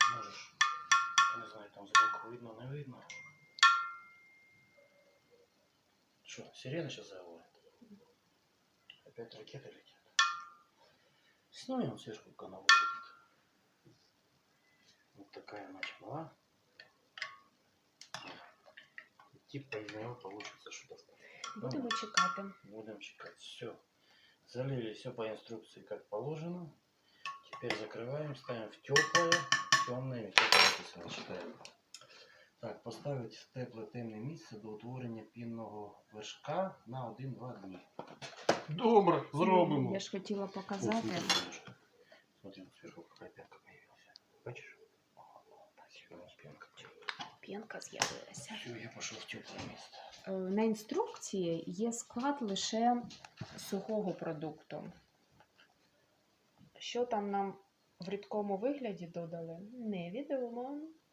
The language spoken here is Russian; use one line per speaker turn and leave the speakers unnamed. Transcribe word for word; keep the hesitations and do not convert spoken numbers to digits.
Можешь, не знаю, там сбоку видно, не видно. Что, сирена сейчас заводит? Опять ракеты летят. Снимем он сверху канал будет. Вот такая начала. Типа из него получится что-то.
Будемо чекати.
Будем чекать. Все. Залили все по инструкции, как положено. Теперь закрываем, ставим в теплое, темное, теплое написано, читаем. Так, поставить в тепле темне місце до утворення пінного вершка на один-два дні.
Добре, зробимо.
Я ж хотіла показати.
Смотри, сверху какая пенка появилась. Бачишь? Пенка.
Пінка з'явилася.
Все, я пошел в теплое место.
На інструкції є склад лише сухого продукту. Що там нам в рідкому вигляді додали, невідомо.